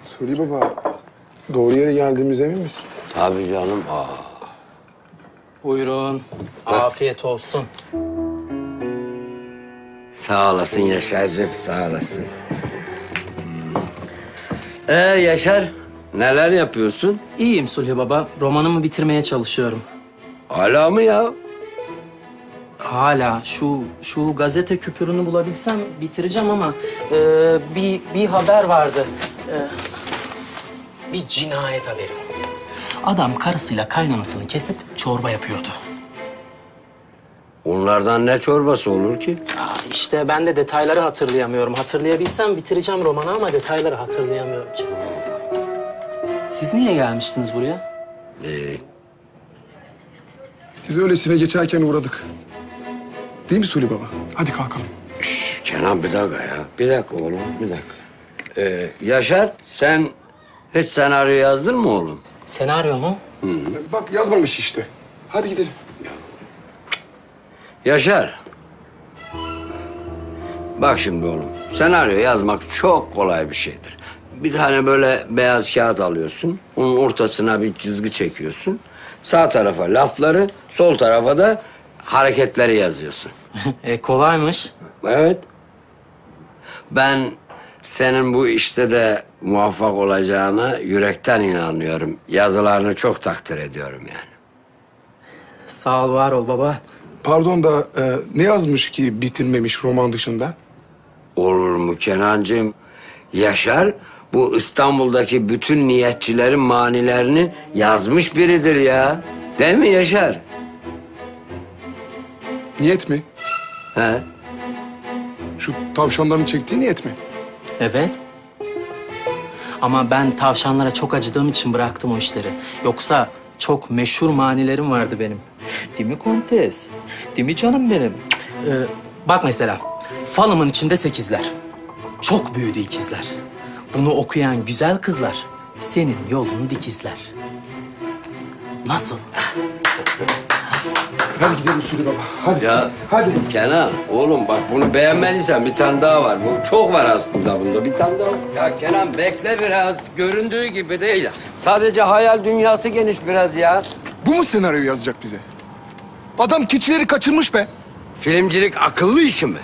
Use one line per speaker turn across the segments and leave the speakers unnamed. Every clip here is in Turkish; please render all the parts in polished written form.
Suli Baba, doğru yere geldiğimize emin misin?
Tabii canım.
Buyurun. Afiyet olsun.
Sağ olasın Yaşar'cığım, sağ olasın. Yaşar, neler yapıyorsun?
İyiyim Sulhi Baba. Romanımı bitirmeye çalışıyorum.
Hala mı ya?
Hala şu gazete küpürünü bulabilsem bitireceğim ama bir haber vardı. Bir cinayet haberi. Adam karısıyla kaynanasını kesip çorba yapıyordu.
Onlardan ne çorbası olur ki?
İşte ben de detayları hatırlayamıyorum. Hatırlayabilsem bitireceğim romanı ama detayları hatırlayamıyorum. Siz niye gelmiştiniz buraya?
Biz öylesine geçerken uğradık. Değil mi Suli Baba? Hadi kalkalım.
Kenan bir dakika ya. Bir dakika oğlum, bir dakika. Yaşar, sen hiç senaryo yazdın mı oğlum?
Senaryo mu?
Bak yazmamış işte. Hadi gidelim.
Yaşar. Bak şimdi oğlum, senaryo yazmak çok kolay bir şeydir. Bir tane böyle beyaz kağıt alıyorsun, onun ortasına bir çizgi çekiyorsun. Sağ tarafa lafları, sol tarafa da hareketleri yazıyorsun.
Kolaymış.
Evet. Ben senin bu işte de muvaffak olacağına yürekten inanıyorum. Yazılarını çok takdir ediyorum yani.
Sağ ol, var ol baba.
Pardon da ne yazmış ki bitirmemiş roman dışında?
Olur mu Kenancığım? Yaşar bu İstanbul'daki bütün niyetçilerin manilerini yazmış biridir ya. Değil mi Yaşar?
Niyet mi?
He?
Şu tavşanların çektiği niyet mi?
Evet. Ama ben tavşanlara çok acıdığım için bıraktım o işleri. Yoksa çok meşhur manilerim vardı benim. Değil mi kontes? Değil mi canım benim? Bak mesela, falımın içinde 8'ler. Çok büyüdü ikizler. Bunu okuyan güzel kızlar senin yolunu dikizler. Nasıl?
Hadi gidelim Suli Baba. Hadi.
Ya
Hadi.
Kenan oğlum bak bunu beğenmediysen bir tane daha var. Bu çok var aslında bunda. Bir tane daha var. Ya Kenan bekle biraz. Göründüğü gibi değil. Sadece hayal dünyası geniş biraz ya.
Bu mu senaryo yazacak bize? Adam keçileri kaçırmış be.
Filmcilik akıllı işi mi?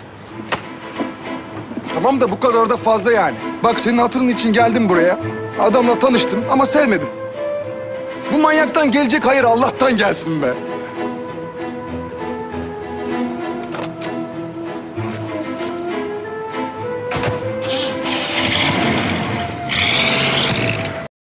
Tamam da bu kadar da fazla yani. Bak senin hatırın için geldim buraya. Adamla tanıştım ama sevmedim. Bu manyaktan gelecek hayır Allah'tan gelsin be.